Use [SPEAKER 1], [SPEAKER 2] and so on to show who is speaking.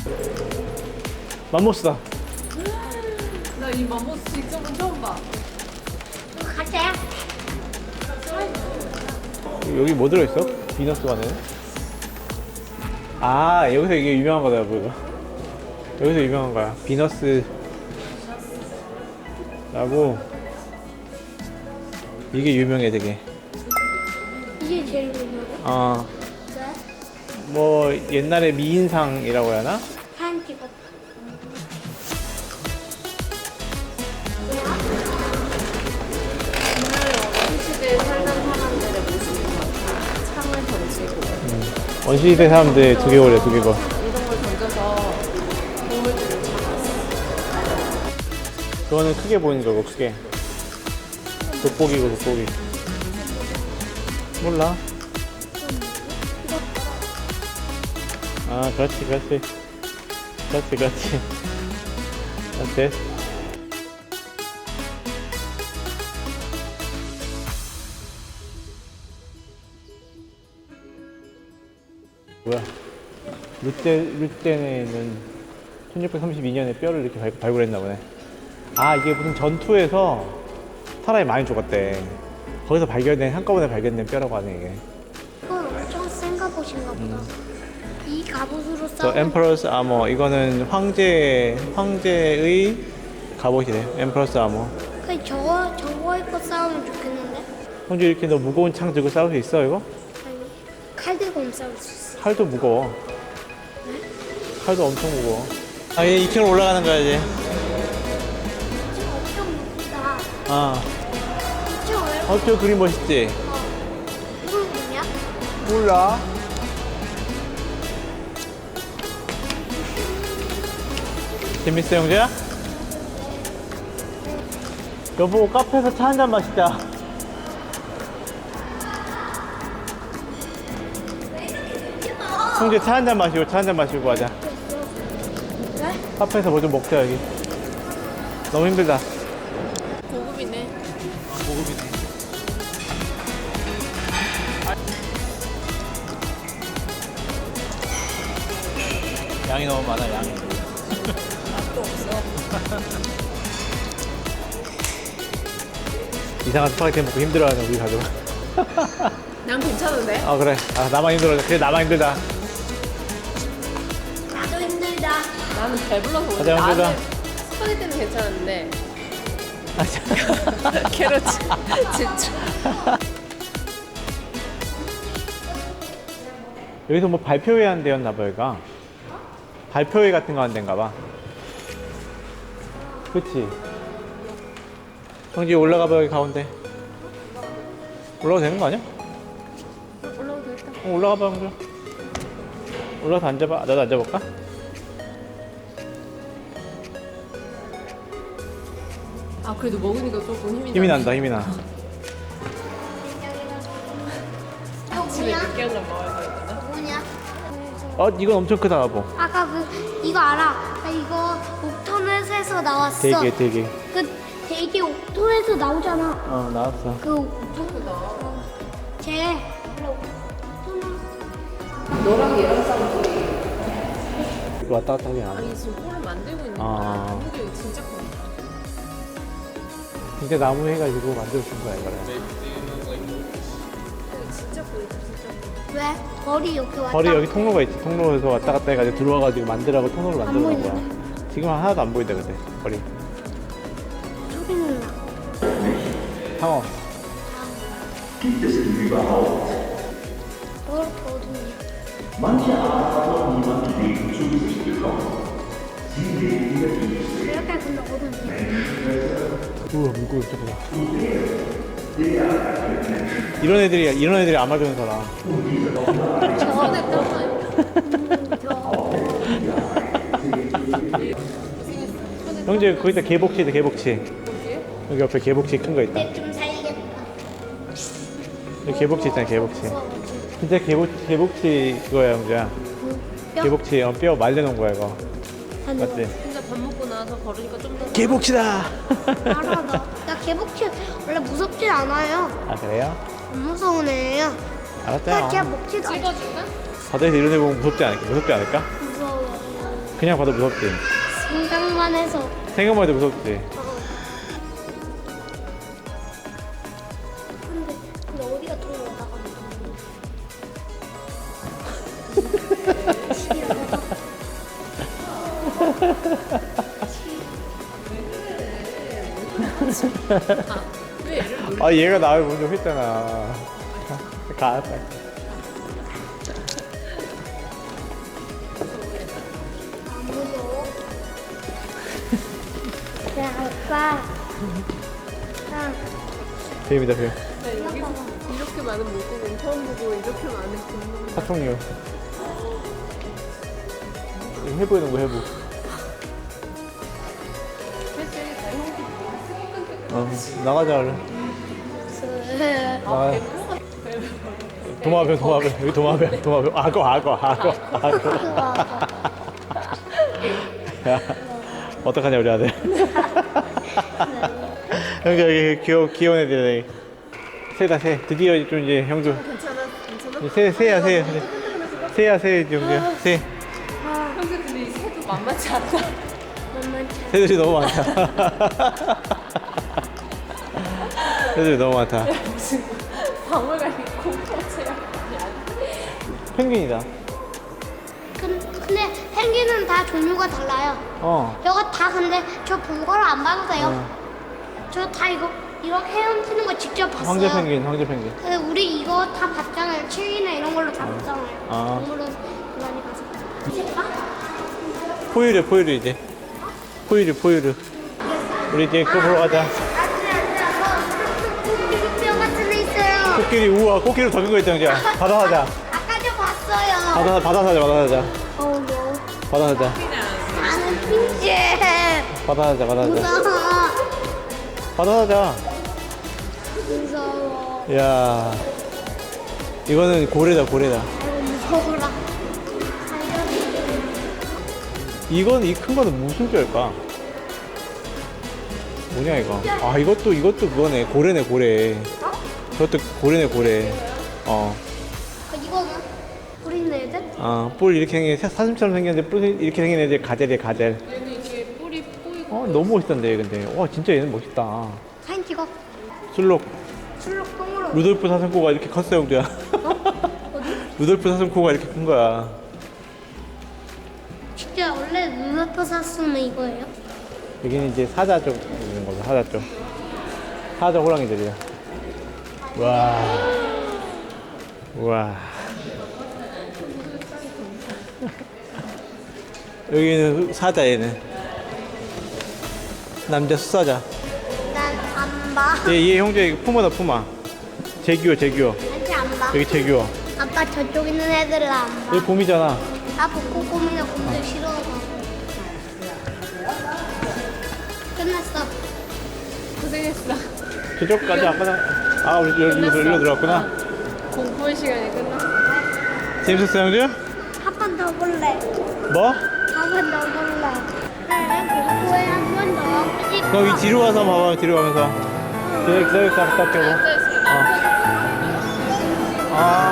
[SPEAKER 1] 맘모스다.
[SPEAKER 2] 나 이 맘모스 직접은 처음 봐.
[SPEAKER 3] 가자.
[SPEAKER 1] 여기 뭐 들어있어? 비너스 안에? 아, 여기서 이게 유명한 거다, 이거. 여기서 유명한 거야. 비너스 라고. 이게 유명해, 되게.
[SPEAKER 3] 이게 제일 유명해.
[SPEAKER 1] 어,
[SPEAKER 3] 왜?
[SPEAKER 1] 뭐 옛날에 미인상이라고 해야 하나?
[SPEAKER 3] 사진 찍었다.
[SPEAKER 2] 옛날에 원시대에 살던 사람들의 모습인 것 같아. 창을 던지고
[SPEAKER 1] 원시시대 사람들 두개골이야, 두개골.
[SPEAKER 2] 이런 걸 던져서 동물들을 잡았어.
[SPEAKER 1] 그거는 크게 보이는 거고, 크게. 돋보기고, 돋보기. 몰라. 아, 그렇지, 그렇지. 그렇지, 그렇지. 그렇지. 뭐야. 룻데네는 1632년에 뼈를 이렇게 발굴했나 보네. 아, 이게 무슨 전투에서 사람이 많이 죽었대. 거기서 발견된, 한꺼번에 발견된 뼈라고 하네, 이게.
[SPEAKER 3] 이건 엄청 센 갑옷인가 보다. 이 갑옷으로
[SPEAKER 1] 저
[SPEAKER 3] 싸우면
[SPEAKER 1] 엠퍼러스 아머, 이거는 황제의 갑옷이래. 엠퍼러스 아머.
[SPEAKER 3] 그 저거 입고 싸우면 좋겠는데?
[SPEAKER 1] 형주 이렇게 너 무거운 창 들고 싸울 수 있어, 이거?
[SPEAKER 3] 아니 칼 들고 못 싸울 수 있어.
[SPEAKER 1] 칼도 무거워. 칼도 엄청 무거워. 아, 얘 2층으로 올라가는 거야, 이제.
[SPEAKER 3] 지금 엄청 무겁다.
[SPEAKER 1] 아,
[SPEAKER 3] 지금 왜 이렇게
[SPEAKER 1] 저 그림 멋있지?
[SPEAKER 3] 이건 뭐냐?
[SPEAKER 1] 몰라. 재밌어, 형제야? 여보, 카페에서 차 한잔 마시자. 형제 차 한잔 마시고, 차 한잔 마시고 가자.
[SPEAKER 3] 왜?
[SPEAKER 1] 카페에서 뭐 좀 먹자, 여기. 너무 힘들다.
[SPEAKER 2] 고급이네.
[SPEAKER 1] 고급이네. 양이 너무 많아, 양이.
[SPEAKER 2] 맛도 없어.
[SPEAKER 1] 이상한 스파게티 먹고 힘들어하는 우리 가족.
[SPEAKER 2] 난 괜찮은데?
[SPEAKER 1] 아, 그래. 아, 나만 힘들어. 그래, 나만 힘들다.
[SPEAKER 3] 나도 힘들다.
[SPEAKER 2] 나는 배불러서 그래.
[SPEAKER 1] 가자, 형제들아.
[SPEAKER 2] 나는 스파게티는 괜찮은데
[SPEAKER 1] 아, 참.
[SPEAKER 2] 캐럿이 진짜.
[SPEAKER 1] 여기서 뭐 발표회 한 데였나 봐, 여기가. 발표회 같은 거 한 데인가 봐. 그치? 형지 올라가 봐, 여기 가운데. 올라가도 되는 거 아니야?
[SPEAKER 2] 올라오고 일단.
[SPEAKER 1] 올라가 봐, 형주. 올라가서 앉아봐. 나도 앉아볼까?
[SPEAKER 2] 아 그래도 먹으니까 조금
[SPEAKER 1] 힘이 난다, 힘이 나.
[SPEAKER 3] 이거
[SPEAKER 2] 집에
[SPEAKER 3] 뭐냐?
[SPEAKER 2] 늦게 한잔 먹어야 되거든.
[SPEAKER 3] 뭐냐?
[SPEAKER 1] 어, 이건 엄청 크다, 여보.
[SPEAKER 3] 아까 이거 알아? 나 이거 옥토넷에서 나왔어.
[SPEAKER 1] 되게.
[SPEAKER 3] 되게 옥토넷에서 나오잖아.
[SPEAKER 1] 어, 나왔어.
[SPEAKER 3] 그 옥토. 쟤 옥토넷.
[SPEAKER 2] 너랑 얘랑 싸움 소리.
[SPEAKER 1] 이거 왔다 갔다 하긴 안 해.
[SPEAKER 2] 아니 지금 홀을 만들고 있는
[SPEAKER 1] 아.
[SPEAKER 2] 거야. 무게 진짜 크다.
[SPEAKER 1] 진짜 나무 해가지고 만들어준 거야, 이거를.
[SPEAKER 2] 진짜 보이다 진짜.
[SPEAKER 3] 왜? 벌이 여기 왔다.
[SPEAKER 1] 거리 여기 통로가 있지. 통로에서 왔다 갔다 해가지고 들어와가지고 만들라고 통로를 만들어 놓은 거야.
[SPEAKER 3] 보이네.
[SPEAKER 1] 지금 하나도 안 보인다, 근데. 거리.
[SPEAKER 3] 소리는 나.
[SPEAKER 1] 상어.
[SPEAKER 3] 왜 이렇게 어둡냐? 왜 이렇게 근데 어둡냐?
[SPEAKER 1] 우와, 물고기 진짜 크다. 이런 애들이 아마존에서라.
[SPEAKER 2] 손에 땀나요.
[SPEAKER 1] 형제, 거기다 개복치 있다, 개복치.
[SPEAKER 2] 어디에?
[SPEAKER 1] 여기 옆에 개복치 큰 거 있다.
[SPEAKER 3] 근데 좀 살겠다.
[SPEAKER 1] 여기 개복치 있잖아, 개복치. 진짜 개복치 그거야, 형제야.
[SPEAKER 3] 뼈?
[SPEAKER 1] 개복치, 뼈 말려놓은 거야, 이거.
[SPEAKER 3] 아니,
[SPEAKER 1] 맞지?
[SPEAKER 2] 진짜 밥 먹고 나서 걸으니까 좀 더.
[SPEAKER 1] 개복치다!
[SPEAKER 3] 알아, 나 개복치 원래 무섭진 않아요.
[SPEAKER 1] 아, 그래요?
[SPEAKER 3] 안 무서운 애예요. 나
[SPEAKER 1] 알았어요.
[SPEAKER 3] 걔 먹지도 않아.
[SPEAKER 2] 찍어줄까?
[SPEAKER 1] 바다에서 이런 애 보면 무섭지 않을까?
[SPEAKER 3] 무서워.
[SPEAKER 1] 그냥 봐도 무섭지.
[SPEAKER 3] 생각만 해서.
[SPEAKER 1] 생각만 해도 무섭지.
[SPEAKER 3] 근데 어디가 더 올라가는
[SPEAKER 1] 아 얘가 나를 먼저 했잖아. 가.
[SPEAKER 3] 안 무서워? 야, 아빠.
[SPEAKER 1] 뱀이다 뱀.
[SPEAKER 2] 이렇게 많은 물고기 처음 보고 이렇게 많은 공룡.
[SPEAKER 1] 사총류. 해부 있는 거 해부. 나가자 얼른. 나가. 도마뱀 여기 도마뱀 악어. 야 어떡하냐 우리 아들. 여기 귀여운 애들. 새다 새. 드디어 좀 이제 형도.
[SPEAKER 2] 괜찮아?
[SPEAKER 1] 새야 형제야 새.
[SPEAKER 2] 형제 근데 이 새도 만만치 않다.
[SPEAKER 1] 새들이 너무 많다. 새들이 너무 많다.
[SPEAKER 2] 박물관이 공포체야.
[SPEAKER 1] 펭귄이다.
[SPEAKER 3] 근데 펭귄은 다 종류가 달라요. 저거 다 근데 저 본 거를 안 봐도 돼요. 저 다 이거 헤엄치는 거 직접 봤어요.
[SPEAKER 1] 황제 펭귄.
[SPEAKER 3] 근데 우리 이거 다 봤잖아요. 책이나 이런 걸로 다 봤잖아요.
[SPEAKER 1] 아.
[SPEAKER 3] 동물원 많이 가서. 제가?
[SPEAKER 1] 포유류 이제. 포유류. 우리 이제 그거 보러 가자.
[SPEAKER 3] 뼈 같은 애 있어요.
[SPEAKER 1] 코끼리 우와 코끼리 더 큰 거 있잖아. 바다 사자.
[SPEAKER 3] 아까 저 봤어요.
[SPEAKER 1] 바다 사자.
[SPEAKER 3] 너.
[SPEAKER 1] 바다 사자.
[SPEAKER 3] 나는 핑계.
[SPEAKER 1] 바다 사자.
[SPEAKER 3] 무서워.
[SPEAKER 1] 바다 사자.
[SPEAKER 3] 무서워.
[SPEAKER 1] 야 이거는 고래다.
[SPEAKER 3] 무서워라.
[SPEAKER 1] 이건 이 큰 거는 무슨 뼈일까? 뭐냐 이거? 아 이것도 그거네. 고래네. 저것도 고래네.
[SPEAKER 3] 이거는 우리 애들?
[SPEAKER 1] 뿔 이렇게 생긴 사슴처럼 생겼는데 뿔 이렇게 생긴 애들 가젤이야 가젤.
[SPEAKER 2] 얘는 이게 뿌리 꼬이고.
[SPEAKER 1] 너무 멋있던데 얘 근데. 와 진짜 얘는 멋있다.
[SPEAKER 3] 사진 찍어.
[SPEAKER 1] 술록
[SPEAKER 3] 출력동으로.
[SPEAKER 1] 루돌프 사슴코가 이렇게 컸어요 형제야. 루돌프 사슴코가 이렇게 큰 거야.
[SPEAKER 3] 진짜 원래 루돌프 사슴은 이거예요?
[SPEAKER 1] 여기는 이제 사자 쪽 있는 거죠. 사자 쪽. 사자 호랑이들이야. 와. 여기는 사자 얘는. 남자 수사자.
[SPEAKER 3] 난 안 봐.
[SPEAKER 1] 얘 형제 이거 푸마다 푸마. 재규어.
[SPEAKER 3] 아직 안 봐.
[SPEAKER 1] 여기 재규어.
[SPEAKER 3] 아빠 저쪽 있는 애들은 안 봐.
[SPEAKER 1] 여기 곰이잖아.
[SPEAKER 3] 나 북극곰이나 곰들 싫어서. 끝났어.
[SPEAKER 2] 고생했어.
[SPEAKER 1] 저쪽까지 아까 우리 여기로 들어갔구나.
[SPEAKER 2] 공부의 시간이 끝났어.
[SPEAKER 1] 재밌었어 형제?
[SPEAKER 3] 한 번 더 볼래.
[SPEAKER 1] 뭐?
[SPEAKER 3] 한 번 더 볼래. 공부에 한 번 더.
[SPEAKER 1] 그럼 이 뒤로 가서 봐봐. 뒤로 가면서. 저기 갔다 올게요.
[SPEAKER 2] 앉아있어.
[SPEAKER 1] 아